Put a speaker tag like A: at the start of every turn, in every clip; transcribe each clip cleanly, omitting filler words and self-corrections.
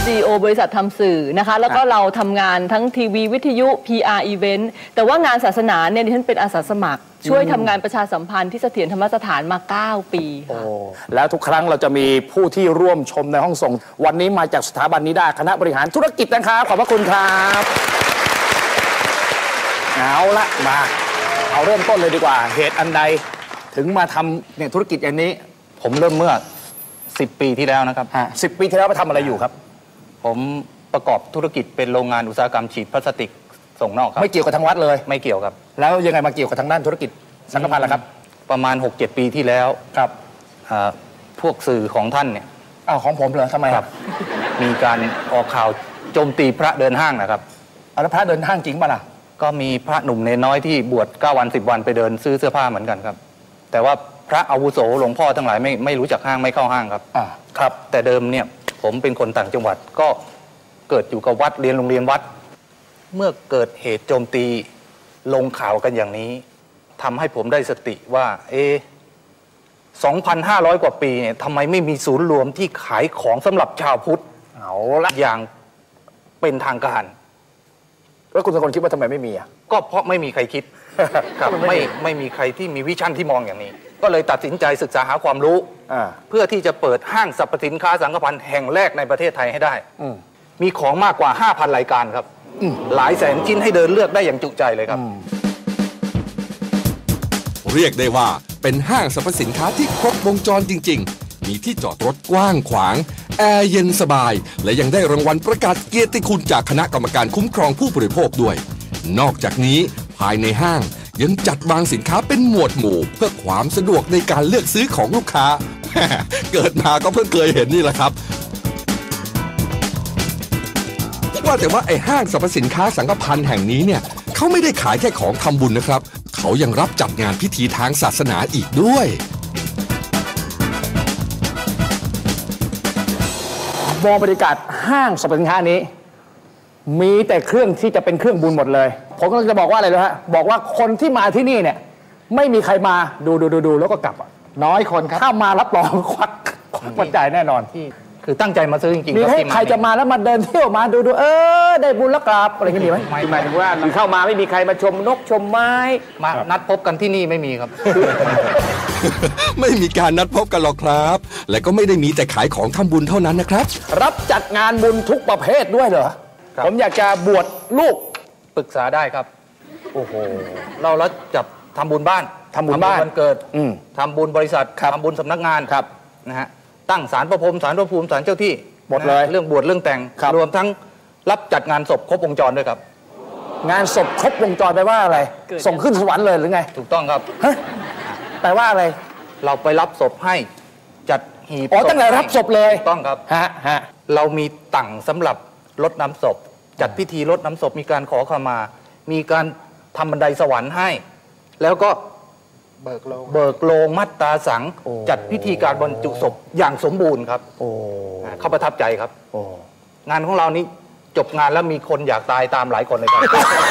A: CEO บริษัททำสื่อนะคะแล้วก็เราทำงานทั้งทีวีวิทยุ PR Event แต่ว่างานศาสนาเนี่ยดิฉันเป็นอาสาสมัครช่วยทำงานประชาสัมพันธ์ที่เสถียรธรรมสถานมา9 ปีค่ะ
B: แล้วทุกครั้งเราจะมีผู้ที่ร่วมชมในห้องส่งวันนี้มาจากสถาบันนิด้าคณะบริหารธุรกิจนะครับขอบพระคุณครับเอาละมาเอาเริ่มต้นเลยดีกว่าเหตุอันใดถึงมาทำเนี่ยธุรกิจอันนี้
C: ผมเริ่มเมื่อ10 ปีที่แล้วนะครับ
B: 10 ปีที่แล้วมาทำอะไรอยู่ครับ
C: ผมประกอบธุรกิจเป็นโรงงานอุตสาหกรรมฉีดพลาสติกส่งนอกครับ
B: ไม่เกี่ยวกับทางวัดเลย
C: ไม่เกี่ยวครับ
B: แล้วยังไงมาเกี่ยวกับทางด้านธุรกิจสังฆพันธ์ล่ะครับ
C: ประมาณ 6-7 ปีที่แล้ว
B: ครับ
C: พวกสื่อของท่านเนี่ย
B: ของผมเหรอทำไม
C: ครับมีการออกข่าวโจมตีพระเดินห้างนะครับ
B: แล้วพระเดินห้างจริงป่ะล่ะ
C: ก็มีพระหนุ่มเนรน้อยที่บวช9 วัน 10 วันไปเดินซื้อเสื้อผ้าเหมือนกันครับแต่ว่าพระอาวุโสหลวงพ่อทั้งหลายไม่รู้จักห้างไม่เข้าห้างครับ
B: ครับ
C: แต่เดิมเนี่ยผมเป็นคนต่างจังหวัดก็เกิดอยู่กับวัดเรียนโรงเรียนวัดเมื่อเกิดเหตุโจมตีลงข่าวกันอย่างนี้ทำให้ผมได้สติว่า2,500 กว่าปีเนี่ยทำไมไม่มีศูนย์รวมที่ขายของสำหรับชาวพุทธ
B: เอาละ
C: อย่างเป็นทางการ
B: แล้วคุณสกลคิดว่าทำไมไม่มี
C: ก็เพราะไม่มีใครคิดครับไม่มีใครที่มีวิชั่นที่มองอย่างนี้ก็เลยตัดสินใจศึกษาหาความรู้เพื่อที่จะเปิดห้างสรรพสินค้าสังฆพันธ์แห่งแรกในประเทศไทยให้ได้มีของมากกว่า 5,000 รายการครับหลายแสนชิ้นให้เดินเลือกได้อย่างจุใจเลยครับ
D: เรียกได้ว่าเป็นห้างสรรพสินค้าที่ครบวงจรจริงๆมีที่จอดรถกว้างขวางแอร์เย็นสบายและยังได้รางวัลประกาศเกียรติคุณจากคณะกรรมการคุ้มครองผู้บริโภคด้วยนอกจากนี้ภายในห้างยังจัดวางสินค้าเป็นหมวดหมู่เพื่อความสะดวกในการเลือกซื้อของลูกค้าเกิดมาก็เพิ่งเคยเห็นนี่แหละครับว่าแต่ว่าไอ้ห้างสรรพสินค้าสังฆพันธ์แห่งนี้เนี่ยเขาไม่ได้ขายแค่ของทำบุญนะครับเขายังรับจัดงานพิธีทางศาสนาอีกด้วย
B: มองบรรยากาศห้างสรรพสินค้านี้มีแต่เครื่องที่จะเป็นเครื่องบุญหมดเลยผมก็จะบอกว่าอะไรนะฮะบอกว่าคนที่มาที่นี่เนี่ยไม่มีใครมาดูแล้วก็กลับน้อยคนครับถ้ามารับรองควักปัจจัยแน่นอนที่
C: คือตั้งใจมาซื้อจริงๆ
B: มีให้ใครจะมาแล้วมาเดินเที่ยวมาดูได้บุญแล้วกลับอะไรกันดีไหมหมายถึงว่าเข้ามาไม่มีใครมาชมนกชมไม้
C: มานัดพบกันที่นี่ไม่มีครับ
D: ไม่มีการนัดพบกันหรอกครับและก็ไม่ได้มีแต่ขายของทำบุญเท่านั้นนะครับ
B: รับจัดงานบุญทุกประเภทด้วยเหรอผมอยากจะบวชลูก
C: ปรึกษาได้ครับโอ้โหเราแล้วจับทำบุญบ้านวันเกิดทำบุญบริษัททำบุญสำนักงาน
B: ครับ
C: นะฮะตั้งศาลพระพรหมศาลพระภูมิศาลเจ้าที่
B: หมดเลย
C: เรื่องบวชเรื่องแต่งรวมทั้งรับจัดงานศพครบวงจรด้วยครับ
B: งานศพครบวงจรแปลว่าอะไรส่งขึ้นสวรรค์เลยหรือไง
C: ถูกต้องครับ
B: แปลว่าอะไร
C: เราไปรับศพให้จัดหีบ
B: ตั้งแต่รับศพเลย
C: ถูกต้องครับเรามีตั่งสำหรับรดน้ำศพจัดพิธีรดน้ำศพมีการขอขมามีการทำบันไดสวรรค์ให้แล้วก็เบิกโลงมัตตาสังจัดพิธีการบรรจุศพอย่างสมบูรณ์ครับเขาประทับใจครับงานของเรานี้จบงานแล้วมีคนอยากตายตามหลายคนเลยครับ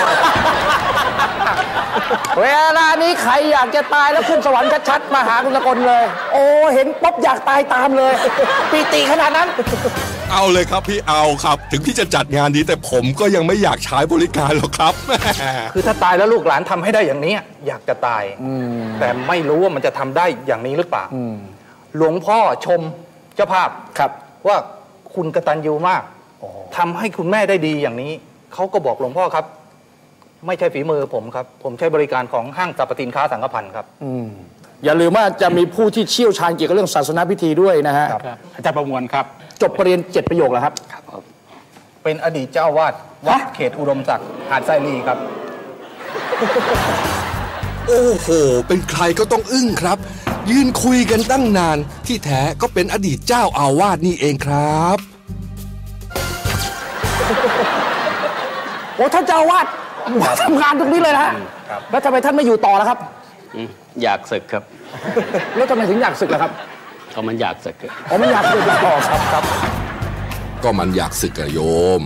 B: เวลานี้ใครอยากจะตายแล้วขึ้นสวรรค์ชัดๆมาหาคุณสกลเลยเห็นป๊บอยากตายตามเลยปีติขนาดนั้น
D: เอาเลยครับพี่เอาครับถึงที่จะจัดงานนี้แต่ผมก็ยังไม่อยากใช้บริการหรอกครับ
C: คือถ้าตายแล้วลูกหลานทำให้ได้อย่างนี้อยากจะตายแต่ไม่รู้ว่ามันจะทำได้อย่างนี้หรือเปล่าหลวงพ่อชมเจ้าภาพ
B: ครับ
C: ว่าคุณกตัญญูมากทำให้คุณแม่ได้ดีอย่างนี้เขาก็บอกหลวงพ่อครับไม่ใช่ฝีมือผมครับผมใช้บริการของห้างสรรพสินค้าสังฆพันธ์ครับ
B: อย่าลืมว่าจะมีผู้ที่เชี่ยวชาญเกี่ยวกับเรื่องศาสนาพิธีด้วยนะฮะ
E: อาจารย์ประมวลครับ
B: จบปริญญา7 ประโยคแล้วครับ
C: เป็นอดีตเจ้าวาดวัดเขตอุดมศักดิ์หาดไซรีครับ
D: โอ้โหเป็นใครก็ต้องอึ้งครับยืนคุยกันตั้งนานที่แท้ก็เป็นอดีตเจ้าอาวาสนี่เองครับ
B: ท่านเจ้าอาวาสทำงานตรงนี้เลยนะแล้วทำไมท่านไม่อยู่ต่อแล้วครับ
E: อยากศึกครับ
B: แล้วทำไมถึงอยากศึกล่ะครับ
E: ก็มันอยากศึก
B: มันอยากศึกต่อครับ
D: ก็มันอยากศึกอะโยม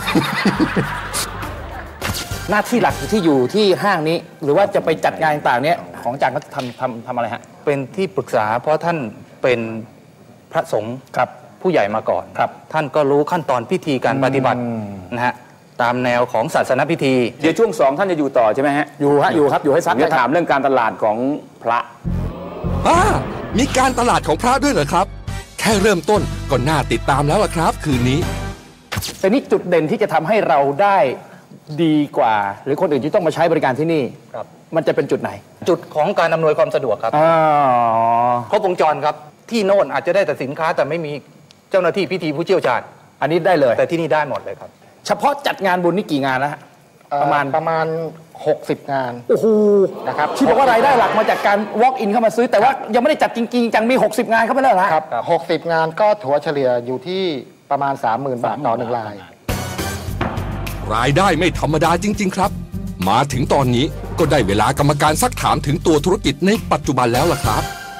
B: หน้าที่หลักที่อยู่ที่ห้างนี้หรือว่าจะไปจัดงานต่างๆเนี้ยของอาจารย์ก็ทำอะไรฮะ
C: เป็นที่ปรึกษาเพราะท่านเป็นพระสงฆ์
B: ครับ
C: ผู้ใหญ่มาก่อน
B: ครับ
C: ท่านก็รู้ขั้นตอนพิธีการปฏิบัตินะฮะตามแนวของศาสนพิธี
F: เดี๋ยวช่วง2ท่านจะอยู่ต่อใช่ไหมฮะ
B: อยู่ครับอยู่ให้ซัก
F: ผมจะถามเรื่องการตลาดของพระ
D: มีการตลาดของพระด้วยเหรอครับ แค่เริ่มต้นก็น่าติดตามแล้วล่ะครับ คืนนี้
B: แต่นี่จุดเด่นที่จะทำให้เราได้ดีกว่า หรือคนอื่นที่ต้องมาใช้บริการที่นี่
C: ครับ
B: มันจะเป็นจุดไหน
C: จุดของการอำนวยความสะดวกครับ
B: อ๋อ
C: ครบวงจรครับที่โน่นอาจจะได้แต่สินค้าแต่ไม่มีเจ้าหน้าที่พิธีผู้เชี่ยวชาญ
B: อันนี้ได้เลย
C: แต่ที่นี่ได้หมดเลยครับ
B: เฉพาะจัดงานบุญนี่กี่งานแล้วฮะประมาณ
G: 60 งาน
B: โอ้โห
G: นะครับ
B: ที่บอกว่ารายได้หลักมาจากการ walk in เข้ามาซื้อ แต่ว่ายังไม่ได้จัดจริงๆจังมี 60 งานเข้าไปแล้วเหรอฮะ
G: ครับ60 งานก็ถัวเฉลี่ยอยู่ที่ประมาณ 30,000 บาทต่อ1ราย
D: รายได้ไม่ธรรมดาจริง ๆ ครับ มาถึงตอนนี้ก็ได้เวลากรรมการซักถามถึงตัวธุรกิจในปัจจุบันแล้วล่ะครับ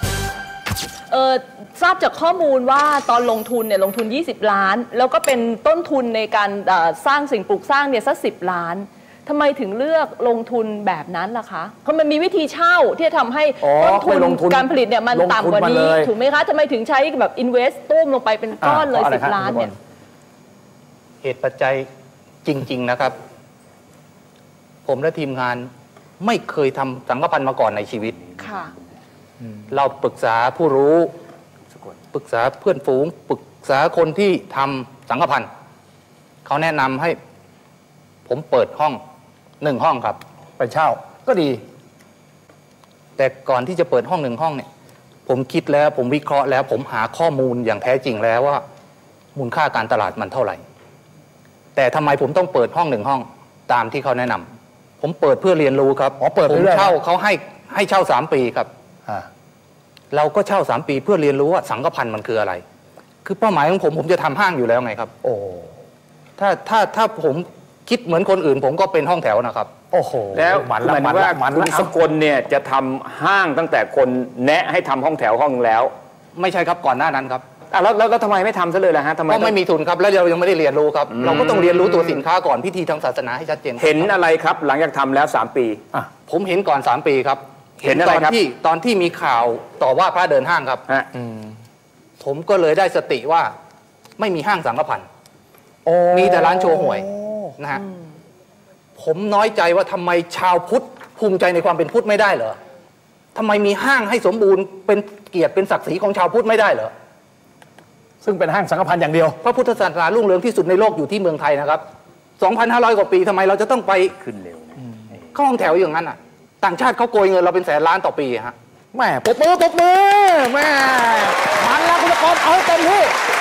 A: ทราบจากข้อมูลว่าตอนลงทุนเนี่ยลงทุน20 ล้าน แล้วก็เป็นต้นทุนในการสร้างสิ่งปลูกสร้างเนี่ยสัก10 ล้านทำไมถึงเลือกลงทุนแบบนั้นล่ะคะเพราะมันมีวิธีเช่าที่จะทำให้ต้นทุนการผลิตเนี่ยมันต่ำกว่านี้ถูกไหมคะทำไมถึงใช้แบบ invest ตุ้มลงไปเป็นก้อนเลย10 ล้านเนี่ย
C: เหตุปัจจัยจริง ๆนะครับ ผมและทีมงานไม่เคยทำสังฆพันธ์มาก่อนในชีวิต
A: ค่ะ
C: เราปรึกษาผู้รู้ปรึกษาเพื่อนฝูงปรึกษาคนที่ทำสังฆพันธ์เขาแนะนำให้ผมเปิดห้อง1 ห้องครับ
B: ไปเช่าก็ดี
C: แต่ก่อนที่จะเปิดห้อง1 ห้องเนี่ยผมคิดแล้วผมวิเคราะห์แล้ว ผมหาข้อมูลอย่างแท้จริงแล้วว่ามูลค่าการตลาดมันเท่าไหร่ แต่ทำไมผมต้องเปิดห้อง1 ห้องตามที่เขาแนะนำผมเปิดเพื่อเรียนรู้ครับ
B: อ๋อเปิด
C: ผม
B: เรื่อยๆ
C: เช่าเขาให้เช่า3 ปีครับ เราก็เช่า3 ปีเพื่อเรียนรู้ว่าสังฆพันธ์มันคืออะไร คือเป้าหมายของผมจะทำห้างอยู่แล้วไงครับ
B: โอ้
C: ถ้าผมคิดเหมือนคนอื่น ผมก็เป็นห้องแถวนะครับ
B: โอ้โห
F: แล้ว
B: มัน
F: ห
B: ละ
F: มาย
B: มั
F: ถึ
B: น
F: ง
B: ละ
F: ว่า
B: มัน
F: คุณ
B: ละ
F: สกลเนี่ยจะทำห้างตั้งแต่คนแนะให้ทำห้องแถวห้องแล้ว
C: ไม่ใช่ครับก่อนหน้านั้นครับ
F: แล้วทำไมไม่ทำซะเลยล่ะฮะทำไม
C: ก็ไม่มีทุนครับแล้วเรายังไม่ได้เรียนรู้ครับ เราก็ต้องเรียนรู้ตัวสินค้าก่อนพิธีทางศาสนาให้ชัดเจน
F: เห็นอะไรครับหลังจากทำแล้ว3 ปี
C: ผมเห็นก่อน3 ปีครับ
F: เห็นอะไรครับ
C: ตอนที่มีข่าวต่อว่าพระเดินห้างครับ
F: ฮะ
C: ผมก็เลยได้สติว่าไม่มีห้างสังฆพันธ์มีแต่ร้านโชว์หวยนะฮะผมน้อยใจว่าทำไมชาวพุทธภูมิใจในความเป็นพุทธไม่ได้เหรอทำไมมีห้างให้สมบูรณ์เป็นเกียรติเป็นศักดิ์ศรีของชาวพุทธไม่ได้เหรอ
B: ซึ่งเป็นห้างสังฆพันธ์อย่างเดียว
C: พระพุทธศาสนารุ่งเรืองที่สุดในโลกอยู่ที่เมืองไทยนะครับ 2,500 กว่าปีทำไมเราจะต้องไป
F: ขึ้นเร็วนะ
C: เข้าห้องแถวอย่างนั้นอ่ะ ต่างชาติเขาโกยเงินเราเป็น100,000 ล้านต่อปีฮะ
B: แม่ปรบมือแม่มันแล้วคุณตะกรเอาให้เต็มที่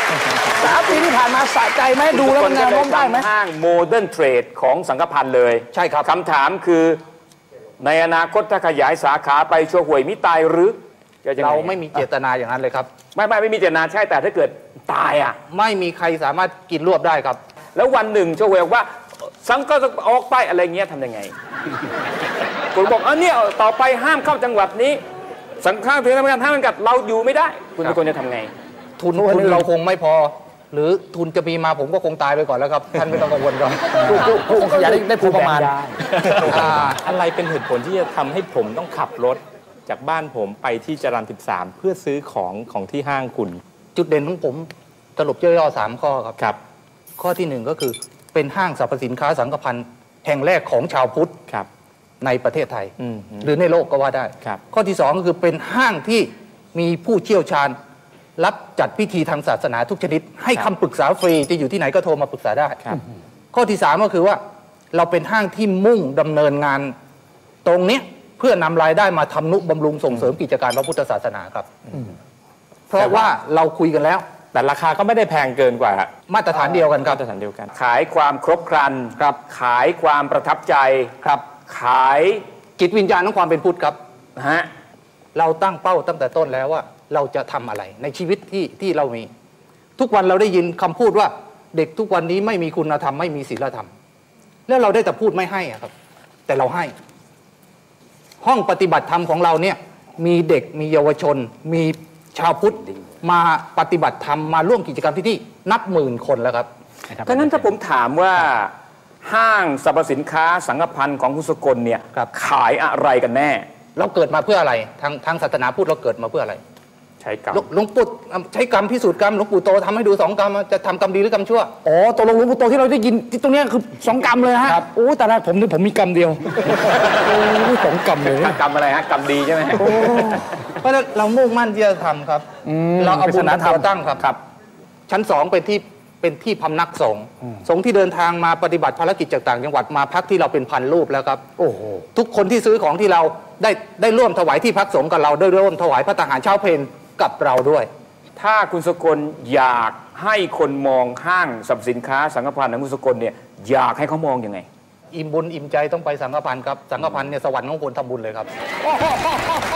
B: 3 ปีที่ผ่านมาสะใจไหมดูแล้วมันแนวโน้มได้ไหม
F: ห้างโมเดิร์นเทรดของสังฆพันธ์เลย
C: ใช่ครับ
F: คำถามคือในอนาคตถ้าขยายสาขาไปชัวหวยมิตายหรือจะยังง
C: เราไม่มีเจตนาอย่างนั้นเลยครับ
F: ไม่มีเจตนาใช่แต่ถ้าเกิดตายอ่ะ
C: ไม่มีใครสามารถกินรวบได้ครับ
F: แล้ววันหนึ่งชัวหวยบอกว่าสังก็ออกไปอะไรเงี้ยทำยังไง คุณบอกเนี่ยต่อไปห้ามเข้าจังหวัดนี้ สังฆาถึงทำงานห้ามกัดเราอยู่ไม่ได้ คุณเป็นคนจะทำไง
C: ทุนเราคงไม่พอ หรือทุนจะมีมาผมก็คงตายไปก่อนแล้วครับ ท่านไม่ต้องกังวลครับ
B: ผู้ขยายได้ผู้ประมาณ
H: อะไรเป็นเหตุผลที่จะทำให้ผมต้องขับรถจากบ้านผมไปที่จรัญ13 เพื่อซื้อของที่ห้างคุณ
C: จุดเด่นของผมสรุปย่อๆ3 ข้อครับ
H: ครับ
C: ข้อที่ 1 ก็คือเป็นห้างสรรพสินค้าสังฆพันธ์แห่งแรกของชาวพุทธ
H: ครับ
C: ในประเทศไทย
H: อืม
C: หรือในโลกก็ว่าได้
H: ครับ
C: ข้อที่ 2 ก็คือเป็นห้างที่มีผู้เชี่ยวชาญ รับจัดพิธีทางศาสนาทุกชนิด ให้คำปรึกษาฟรีจะอยู่ที่ไหนก็โทรมาปรึกษาได้
H: ครับ
C: ข้อที่ 3 ก็คือว่าเราเป็นห้างที่มุ่งดำเนินงานตรงเนี้ยเพื่อนำรายได้มาทำนุบำรุงส่งเสริมกิจการพระพุทธศาสนาครับเพราะว่าเราคุยกันแล้ว
H: แต่ราคาก็ไม่ได้แพงเกินกว่า
C: มาตรฐานเดียวกันครับ
H: มาตรฐานเดียวกัน
F: ขายความครบครัน
C: ครับ
F: ขายความประทับใจ
C: ครับ
F: ขาย
C: จิตวิญญาณของความเป็นพุทธครับ
F: ฮะ
C: เราตั้งเป้าตั้งแต่ต้นแล้วว่าเราจะทำอะไรในชีวิตที่เรามี ทุกวันเราได้ยินคำพูดว่าเด็กทุกวันนี้ไม่มีคุณธรรมไม่มีศีลธรรม แล้วเราได้แต่พูดไม่ให้อะครับ แต่เราให้ ห้องปฏิบัติธรรมของเราเนี่ยมีเด็กมีเยาวชน มีชาวพุทธมาปฏิบัติธรรมมาร่วมกิจกรรมที่นี่นับหมื่นคนแล้วครับ
F: ถ้างั้นถ้าผมถามว่าห้างสรรพสินค้าสังฆพันธ์ของคุณสกลเนี่ย
C: ครับ
F: ขายอะไรกันแน่
C: เราเกิดมาเพื่ออะไรทางศาสนาพุทธเราเกิดมาเพื่ออะไร
F: ใช้กรรม
C: หลวงปู่ใช้กรรมพิสูจน์กรรมหลวงปู่โตทำให้ดู2 กรรมจะทำกรรมดีหรือกรรมชั่ว
B: อ๋อตกลงหลวงปู่โตที่เราได้ยินที่ตรงเนี้ยคือ2 กรรมเลยฮะโอ้แต่ละผมนี่ผมมีกรรมเดียวโอ้2 กรรมเลย
F: กรรมอะไรฮะกรรมดีใช่ไหม
C: เพราะฉะนั้นเรามุ่งมั่นที่จะทำครับเราเอาบุญเป็นตัวตั้งครับ ชั้น 2เป็นที่พำนักสงฆ์สงฆ์ที่เดินทางมาปฏิบัติภารกิจจากต่างจังหวัดมาพักที่เราเป็นพันรูปแล้วครับ
B: โอ้โห
C: ทุกคนที่ซื้อของที่เราได้ร่วมถวายที่พักสงฆ์กับเราได้ร่วมถวายพระทหารเช้าเพลกับเราด้วย
F: ถ้าคุณสกลอยากให้คนมองห้างสรรพสินค้าสังฆพันธ์ของคุณสกลเนี่ยอยากให้เขามองยังไง
C: อิ่มบุญอิ่มใจต้องไปสังฆพันธ์ครับสังฆพันธ์เนี่ยสวรรค์ของคนทำบุญเลยครับ